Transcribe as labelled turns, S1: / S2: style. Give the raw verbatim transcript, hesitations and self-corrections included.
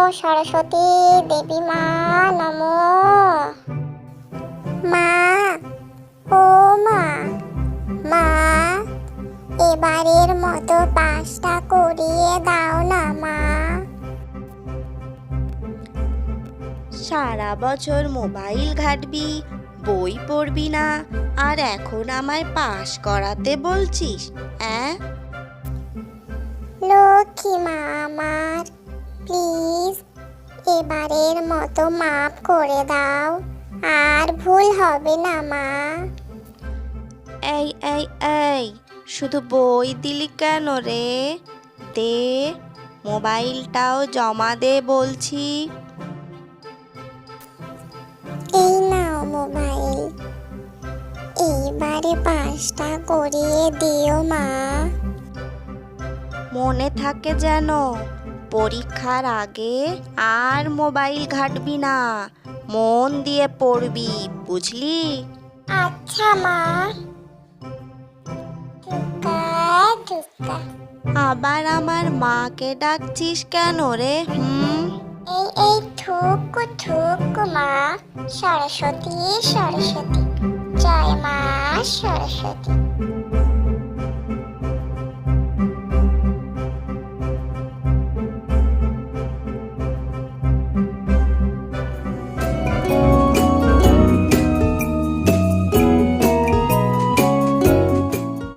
S1: সরস্বতী দেবী মা নমো। মা, ও মা, মা এবারের মতো পাসটা করিয়ে দাও না মা।
S2: সারা বছর মোবাইল ঘাঁটবি, বই পড়বি না, আর এখন আমায় পাস করাতে বলছিস? অ্যাঁ
S1: লক্ষ্মী মা আমার, প্লিজ এবারের মতো মাফ করে দাও, আর ভুল হবে না মা।
S2: এই এই এই শুধু বই দিলি কেন রে? দে, মোবাইলটাও জমা দে বলছি।
S1: এই নাও মোবাইল, এইবারে পাসটা করিয়ে দিও মা।
S2: মনে থাকে যেন, পরীক্ষার আগে আর মোবাইল ঘাঁটবি না, মন দিয়ে পড়বি, বুঝলি?
S1: আচ্ছা মা। ধুকা ধুকা।
S2: আবার আমার মাকে ডাকছিস কেন রে? হুম
S1: এই এই ঠুকু ঠুকু মা, সরস্বতী সরস্বতী, জয় মা সরস্বতী।